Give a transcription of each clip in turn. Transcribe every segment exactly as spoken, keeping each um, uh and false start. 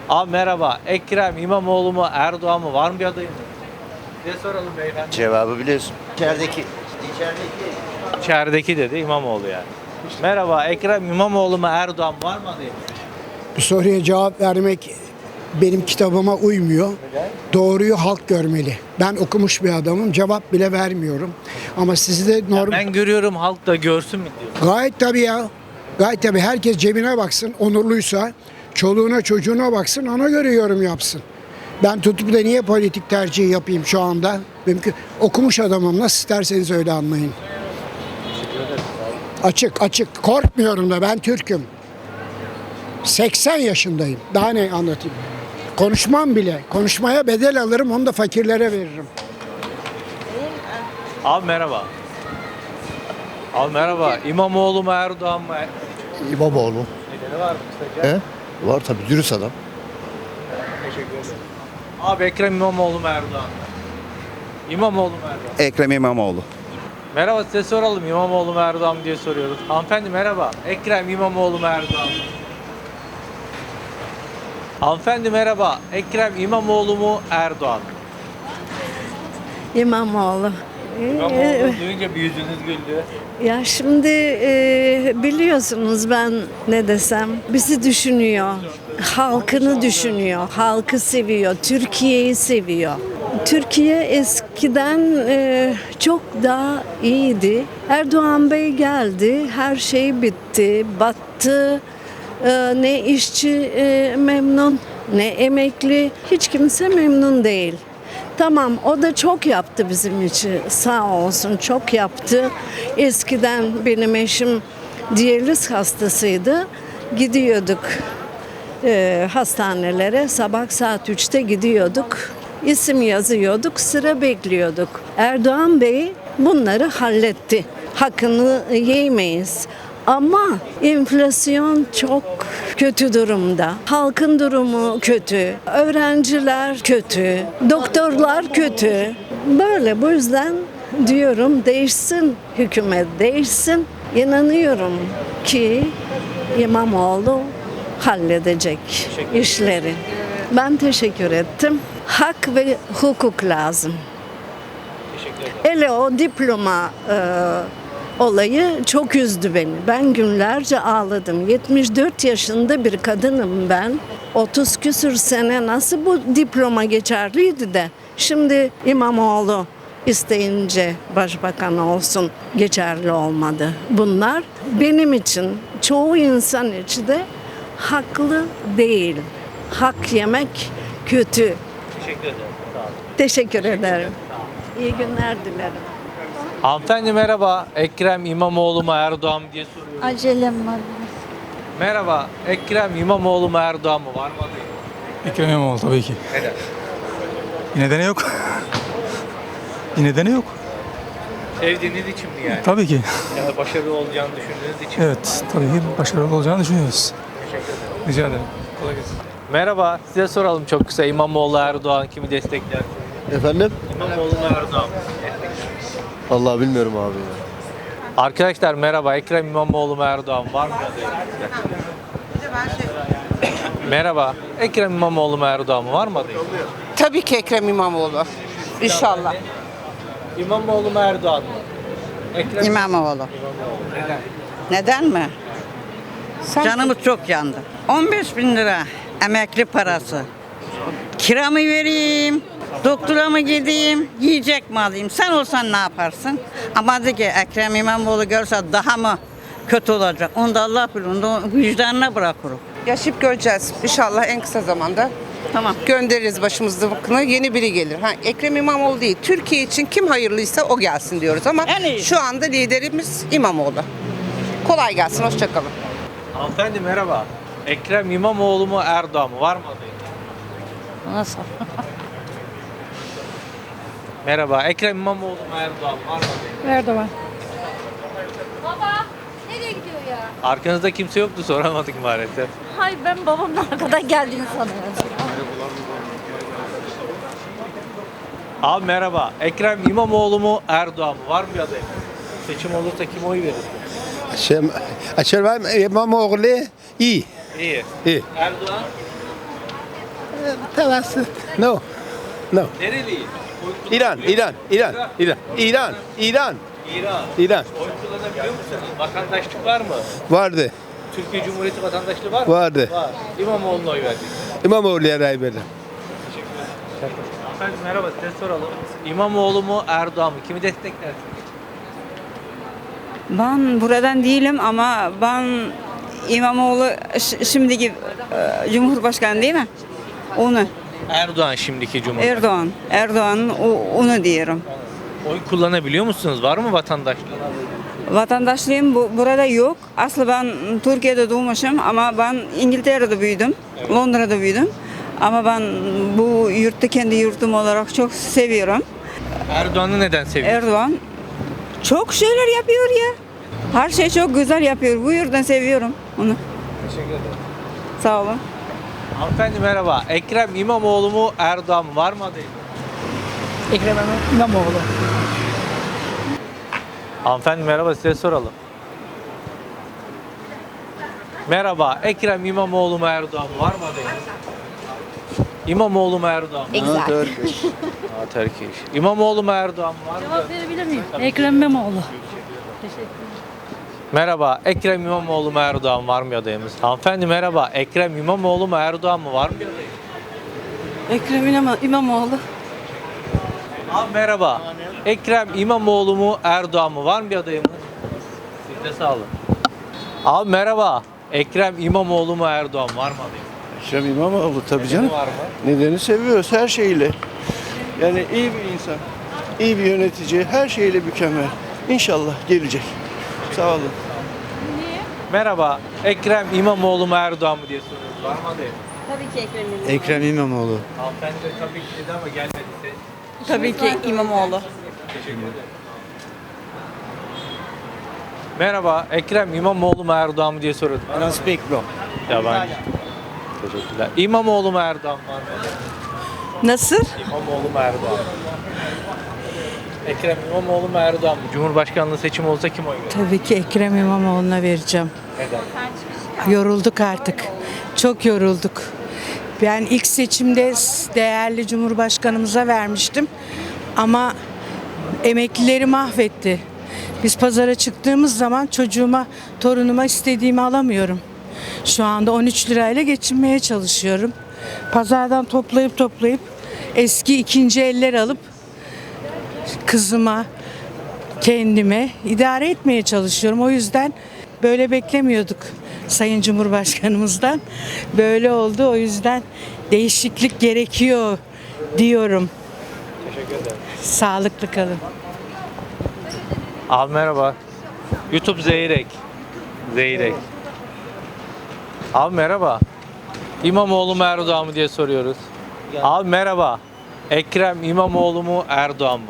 Abi merhaba. Ekrem İmamoğlu mu Erdoğan mı? Var mı bir adayım? Size soralım beyefendi. Cevabı biliyorsun. İçerideki. İçerideki. İçerideki dedi İmamoğlu yani. Merhaba. Ekrem İmamoğlu mu Erdoğan mı? Var mı adayım? Bu soruya cevap vermek benim kitabıma uymuyor. Doğruyu halk görmeli. Ben okumuş bir adamım. Cevap bile vermiyorum. Ama sizi de normal... Ben görüyorum halk da görsün mü diyor. Gayet tabii ya. Gayet tabii. Herkes cebine baksın. Onurluysa çoluğuna çocuğuna baksın. Ona göre yorum yapsın. Ben tutup da niye politik tercih yapayım şu anda? Benimki okumuş adamım. Nasıl isterseniz öyle anlayın. Açık açık. Korkmuyorum da ben Türk'üm. seksen yaşındayım. Daha ne anlatayım? Konuşmam bile. Konuşmaya bedel alırım. Onu da fakirlere veririm. Abi merhaba. Abi merhaba. İmamoğlu mu Erdoğan mı? İmamoğlu. Nedeni var mı kısaca? He? Var tabii, dürüst adam. Teşekkür ederim. Abi Ekrem İmamoğlu mu Erdoğan mı? İmamoğlu mu Erdoğan? Ekrem İmamoğlu. Merhaba, size soralım İmamoğlu mu Erdoğan mı diye soruyoruz. Hanımefendi merhaba. Ekrem İmamoğlu mu Erdoğan mı? Hanımefendi merhaba. Ekrem İmamoğlu mu Erdoğan mı? İmamoğlu. İmamoğlu duyunca bir yüzünüz güldü. Ya şimdi e, biliyorsunuz ben ne desem bizi düşünüyor. Halkını düşünüyor. Halkı seviyor. Türkiye'yi seviyor. Türkiye eskiden e, çok daha iyiydi. Erdoğan Bey geldi. Her şey bitti. Battı. E, ne işçi e, memnun ne emekli. Hiç kimse memnun değil. Tamam, o da çok yaptı bizim için, sağ olsun, çok yaptı. Eskiden benim eşim diyaliz hastasıydı. Gidiyorduk e, hastanelere, sabah saat üçte gidiyorduk. İsim yazıyorduk, sıra bekliyorduk. Erdoğan Bey bunları halletti. Hakkını yemeyiz. Ama enflasyon çok kötü durumda. Halkın durumu kötü. Öğrenciler kötü. Doktorlar kötü. Böyle bu yüzden diyorum değişsin hükümet değişsin. İnanıyorum ki İmamoğlu halledecek işleri. Ben teşekkür ettim. Hak ve hukuk lazım. Hele o diploma e, olayı çok üzdü beni. Ben günlerce ağladım. yetmiş dört yaşında bir kadınım ben. otuz küsür sene nasıl bu diploma geçerliydi de şimdi İmamoğlu isteyince başbakan olsun geçerli olmadı. Bunlar benim için çoğu insan için de haklı değil. Hak yemek kötü. Teşekkür ederim. Sağ olun. Teşekkür ederim. İyi günler dilerim. Hanımefendi merhaba. Ekrem İmamoğlu mu Erdoğan mı diye soruyoruz. Acelem var. Merhaba. Ekrem İmamoğlu mu Erdoğan mı? Var mı adayım? Ekrem İmamoğlu tabii ki. Neden? Bir nedeni yok. Bir nedeni yok. Sevdiğiniz için mi yani? Tabii ki. Ya da başarılı olacağını düşündüğünüz için mi? Evet, tabii ki başarılı olacağını düşünüyoruz. Teşekkür ederim. Rica ederim. Kolay gelsin. Merhaba. Size soralım çok kısa. İmamoğlu Erdoğan kimi destekler? Efendim? İmamoğlu mu Erdoğan mı? Vallahi bilmiyorum abi ya. Arkadaşlar merhaba. Ekrem İmamoğlu mu Erdoğan mı? Var mı adayım? Merhaba. Ekrem İmamoğlu mu Erdoğan mı? Var mı adayım? Tabii ki Ekrem İmamoğlu. İnşallah. İmamoğlu mu Erdoğan mı? Ekrem İmamoğlu. Neden? Neden mi? Canımız çok yandı. on beş bin lira emekli parası. Kira mı vereyim? Doktora mı gideyim? Yiyecek mi alayım? Sen olsan ne yaparsın? Ama de ki Ekrem İmamoğlu görse daha mı kötü olacak? Onu da Allah bilir. Onu da vicdanına bırakırım. Yaşayıp göreceğiz. İnşallah en kısa zamanda Tamam. göndeririz başımızdakini. Yeni biri gelir. Ha, Ekrem İmamoğlu değil. Türkiye için kim hayırlıysa o gelsin diyoruz ama En iyi. şu anda liderimiz İmamoğlu. Kolay gelsin. Hoşçakalın. Hanımefendi merhaba. Ekrem İmamoğlu mu Erdoğan mı? Var mı adayım? Nasıl? Merhaba. Ekrem İmamoğlu mu Erdoğan mı? Var mı adayım? Erdoğan. Baba nereye gidiyor ya? Arkanızda kimse yoktu, soramadık maalesef. Hayır ben babamın arkadan geldiğini sanıyorum. Abi merhaba. Ekrem İmamoğlu mu Erdoğan mı? Var mı bir adayım? Seçim olursa kim oy verir? Şey, Ekrem İmamoğlu iyi. İyi. İyi. Erdoğan? Tevessü. No. No. Nereliyiz? İran, İran, İran, İran, İran, İran, İran. İran. Oy kullanabiliyor musunuz? Vatandaşlık var mı? Vardı, Türkiye Cumhuriyeti vatandaşlığı var mı? vardı. Var. İmamoğlu'na oy verdik. İmamoğlu'ya ray verdim. Efendim merhaba, size soralım. İmamoğlu mu Erdoğan mı? Kimi desteklersiniz? Ben buradan değilim ama ben İmamoğlu ş- şimdiki e, Cumhurbaşkanı değil mi? Onu. Erdoğan şimdiki Cumhurbaşkanı. Erdoğan. Erdoğan o- onu diyorum. Oy kullanabiliyor musunuz? Var mı vatandaşlık? Vatandaşlığım bu, burada yok. Aslında ben Türkiye'de doğmuşum ama ben İngiltere'de büyüdüm. Londra'da büyüdüm. Ama ben bu yurtta kendi yurtum olarak çok seviyorum. Erdoğan'ı neden seviyorsunuz? Erdoğan çok şeyler yapıyor ya. Her şey çok güzel yapıyor. Bu yüzden seviyorum onu. Teşekkür ederim. Sağ olun. Hanımefendi merhaba. Ekrem İmamoğlu mu Erdoğan mı? Var mı adayı? Ekrem İmamoğlu. Hanımefendi merhaba, size soralım. Merhaba. Ekrem İmamoğlu mu Erdoğan mı? Var mı adayı? İmamoğlu mu Erdoğan mı? Ha, Turkish. Ha, Turkish. İmamoğlu mu Erdoğan mı? Var mı? Cevap verebilir miyim? Ekrem İmamoğlu. Teşekkür ederim. Merhaba. Ekrem İmamoğlu mu Erdoğan var mı adayımız? Hanımefendi merhaba. Ekrem İmamoğlu mu Erdoğan mı? Var mı adayı? Ekrem İmamoğlu. Abi merhaba. Ekrem İmamoğlu mu Erdoğan mı? Var mı bir adayımız? Siz de sağ olun. Abi merhaba. Ekrem İmamoğlu mu Erdoğan var mı adayımız? Ekrem İmamoğlu tabii canım. Var mı? Nedeni seviyoruz her şeyle. Yani iyi bir insan, iyi bir yönetici, her şeyle mükemmel. İnşallah gelecek. Sağ olun. Merhaba. Ekrem İmamoğlu mu Erdoğan mı diye soruyoruz. Var mı adayım? Tabii ki Ekrem İmamoğlu. Ekrem İmamoğlu. Hanımefendi de tabii ki dedi ama gelmediyse. Tabii ki İmamoğlu. Teşekkür ederim. Merhaba. Ekrem İmamoğlu mu Erdoğan mı diye soruyoruz. I don't speak bro. Yabancı. Teşekkürler. İmamoğlu mu Erdoğan var mı? Nasıl? İmamoğlu mu Erdoğan mı? Ekrem İmamoğlu mu Erdoğan mı? Cumhurbaşkanlığı seçimi olsa kim oy verir? Tabii ki Ekrem İmamoğlu'na vereceğim. Neden? Yorulduk artık. Çok yorulduk. Ben ilk seçimde değerli Cumhurbaşkanımıza vermiştim. Ama emeklileri mahvetti. Biz pazara çıktığımız zaman çocuğuma, torunuma istediğimi alamıyorum. Şu anda on üç lirayla geçinmeye çalışıyorum. Pazardan toplayıp toplayıp eski ikinci eller alıp kızıma, kendime idare etmeye çalışıyorum. O yüzden böyle beklemiyorduk Sayın Cumhurbaşkanımızdan. Böyle oldu. O yüzden değişiklik gerekiyor diyorum. Teşekkür ederim. Sağlıklı kalın. Abi merhaba. YouTube Zeyrek. Zeyrek. Abi merhaba. İmamoğlu mu Erdoğan mı diye soruyoruz. Abi merhaba. Ekrem İmamoğlu mu Erdoğan mı?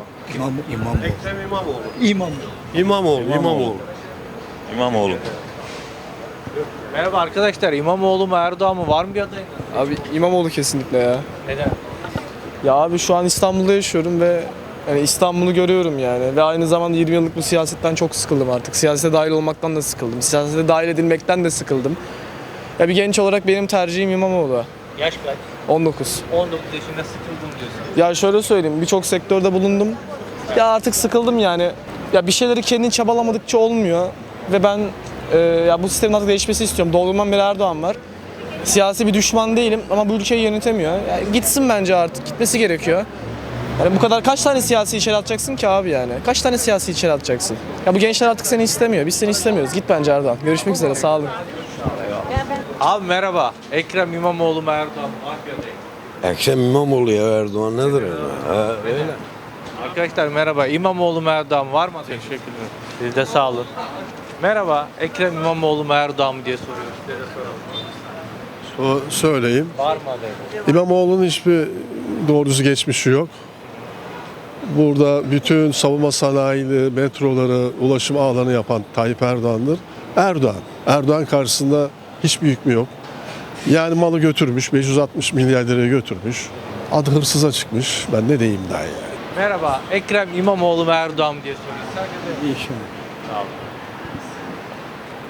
İmamoğlu, İmamoğlu. İmamoğlu. Merhaba arkadaşlar. İmamoğlu mu Erdoğan mı? Var mı bir adayınız? Abi İmamoğlu kesinlikle ya. Neden? Ya abi şu an İstanbul'da yaşıyorum ve yani İstanbul'u görüyorum yani. Ve aynı zamanda yirmi yıllık bu siyasetten çok sıkıldım artık. Siyasete dahil olmaktan da sıkıldım. Siyasete dahil edilmekten de sıkıldım. Ya bir genç olarak benim tercihim İmamoğlu. Yaş kaç? on dokuz. on dokuz yaşında sıkıldım diyorsun. Ya şöyle söyleyeyim, birçok sektörde bulundum. Ya artık sıkıldım yani. Ya bir şeyleri kendin çabalamadıkça olmuyor. Ve ben e, ya bu sistemin artık değişmesi istiyorum. Doğduğumdan beri Erdoğan var. Siyasi bir düşman değilim ama bu ülkeyi yönetemiyor. Yani gitsin bence artık, gitmesi gerekiyor. Yani bu kadar kaç tane siyasi içeri atacaksın ki abi yani? Kaç tane siyasi içeri atacaksın? Ya bu gençler artık seni istemiyor. Biz seni istemiyoruz. Git bence Erdoğan. Görüşmek üzere. Sağ olun. Abi merhaba. Ekrem İmamoğlu mu Erdoğan mı? Var bir adayım. Ekrem İmamoğlu ya Erdoğan nedir ya? Arkadaşlar merhaba. İmamoğlu mu Erdoğan mı? Var mı adayım? Teşekkürler. Siz de sağ olun. Merhaba. Ekrem İmamoğlu mu Erdoğan mı diye soruyoruz. Size de soralım. So söyleyeyim. Var mı adayım? İmamoğlu'nun hiçbir doğrusu geçmişi yok. Burada bütün savunma sanayini, metroları, ulaşım ağlarını yapan Tayyip Erdoğan'dır. Erdoğan. Erdoğan karşısında hiçbir hükmü yok. Yani malı götürmüş, beş yüz altmış milyar liraya götürmüş. Adı hırsıza çıkmış. Ben ne diyeyim daha yani. Merhaba. Ekrem İmamoğlu mu Erdoğan mı diye soruyoruz. Sadece İnşallah. Sağ olun.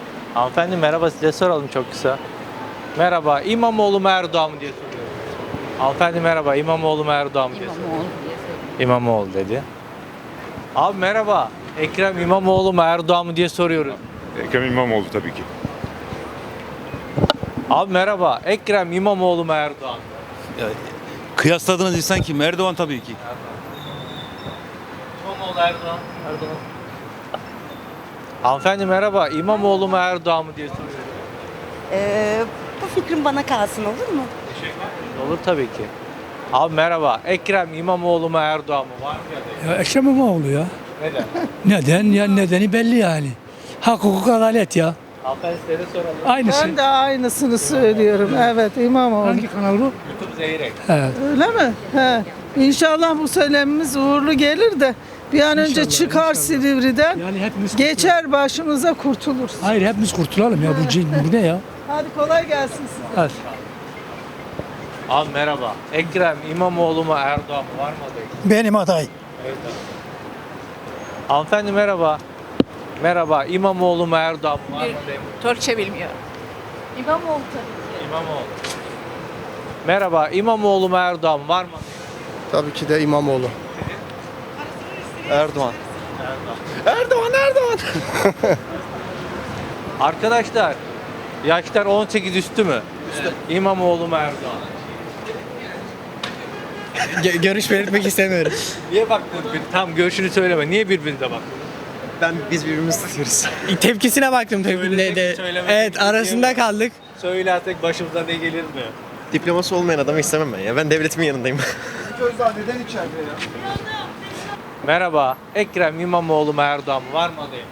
Hanımefendi merhaba, size soralım çok kısa. Merhaba. İmamoğlu mu Erdoğan mı diye soruyoruz. Hanımefendi merhaba. İmamoğlu mu Erdoğan mı diye soruyorum. İmamoğlu dedi. Abi merhaba. Ekrem İmamoğlu mu Erdoğan mı diye soruyoruz. Ekrem İmamoğlu tabii ki. Abi merhaba. Ekrem İmamoğlu mu Erdoğan mı? Kıyasladığınız insan kim? Erdoğan tabii ki. İmamoğlu Erdoğan. Erdoğan. Hanımefendi merhaba. İmamoğlu mu Erdoğan mı diye soruyoruz. Ee, bu fikrim bana kalsın olur mu? Olur tabii ki. Abi merhaba. Ekrem İmamoğlu mu Erdoğan mı? Var mı ya? Ya Ekrem İmamoğlu ya. Neden? Neden? Ya nedeni belli yani. Hak, hukuk, adalet ya. Hanımefendi size de soralım. Aynısı. Ben de aynısını söylüyorum. Evet İmamoğlu. Hangi kanal bu? YouTube Zeyrek. Evet. Öyle mi? He. İnşallah bu söylemimiz uğurlu gelir de bir an önce İnşallah, çıkar inşallah. Silivri'den. Yani hepimiz Geçer başımıza kurtuluruz. Hayır hepimiz kurtulalım ya. Bu, cin- bu ne ya? Hadi kolay gelsin size. Evet. Abi merhaba. Ekrem İmamoğlu mu Erdoğan mı? Var mı adayı? Benim aday. Evet abi. Hanımefendi merhaba. Merhaba. İmamoğlu mu Erdoğan mı? Var mı adayı? Türkçe bilmiyor. İmamoğlu tabii. İmamoğlu. Merhaba. İmamoğlu mu Erdoğan mı? Var mı adayı? Tabii ki de İmamoğlu. Erdoğan. Erdoğan. Erdoğan, Erdoğan. Arkadaşlar yaşlar on sekiz üstü mü? Üstü. İmamoğlu mu Erdoğan? Görüş belirtmek istemiyorum. Niye baktın? Tam görüşünü söyleme. Niye birbirinize baktın? Ben biz birbirimizi tutuyoruz. Tepkisine baktım tabii. Söylesek De, mi, söylemesek evet mi? arasında kaldık. Söylersek başımıza ne gelir mi? Diploması olmayan adamı istemem ben ya. Ben devletimin yanındayım. Gözler neden içeride ya? Merhaba. Ekrem İmamoğlu mu Erdoğan mı? Var mı adayım?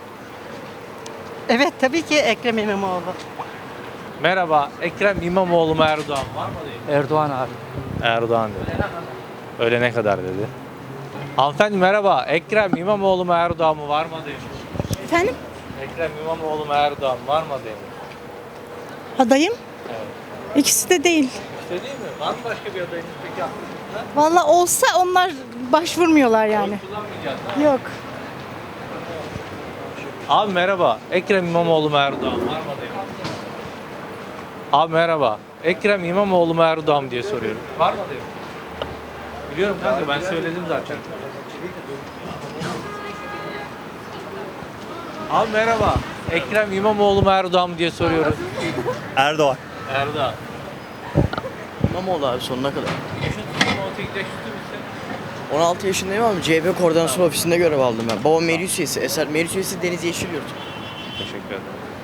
Evet tabii ki Ekrem İmamoğlu. Merhaba. Ekrem İmamoğlu mu Erdoğan mı? Var mı adayım? Erdoğan abi. Erdoğan dedi. Ölene kadar dedi. Hanımefendi merhaba. Ekrem İmamoğlu mu Erdoğan mı? Var mı adayım? Efendim? Ekrem İmamoğlu mu Erdoğan mı? Var mı adayım? Adayım? Evet. İkisi de değil. İşte değil mi? Var mı başka bir adayınız peki aklınızda? Valla olsa onlar başvurmuyorlar yani. Kullanmayacağız ha? Yok. Abi merhaba. Ekrem İmamoğlu mu Erdoğan mı? Var mı adayım? Abi merhaba. Ekrem İmamoğlu mu Erdoğan mı diye soruyorum. Var mı adayım? Biliyorum kanka ben söyledim zaten. Abi merhaba. Ekrem İmamoğlu mu Erdoğan mı diye soruyoruz. Erdoğan. Erdoğan. İmamoğlu abi sonuna kadar. Yaşın on sekiz yaş üstü müsün? on altı yaşındayım abi. C H P Koordinasyon Ofisi'nde görev aldım ben. Babam meclis üyesi. Eser meclis üyesi Deniz Yeşilyurt. Teşekkür ederim.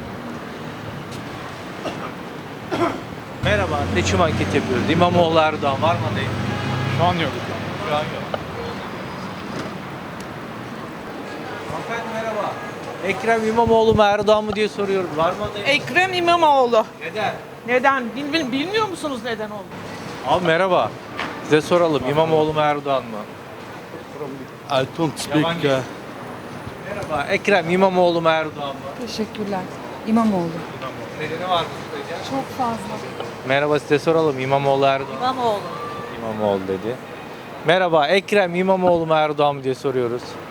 Merhaba. Seçim anketi yapıyoruz. İmamoğlu Erdoğan var mı adayım? Şu an yok. Şu an yok. Hanımefendi merhaba. Ekrem İmamoğlu mu Erdoğan mı diye soruyorum. Var mı adayım? Ekrem İmamoğlu. Neden? Neden? Bil, bilmiyor musunuz neden oldu? Abi merhaba. Size soralım. İmamoğlu mu Erdoğan mı? I don't speak, uh, Merhaba. Ekrem İmamoğlu mu Erdoğan mı? Teşekkürler. İmamoğlu. İmamoğlu. Nedeni var mı sizce? Çok fazla. Merhaba size soralım. İmamoğlu Erdoğan. İmamoğlu. İmamoğlu dedi. Merhaba. Ekrem İmamoğlu mu Erdoğan mı diye soruyoruz.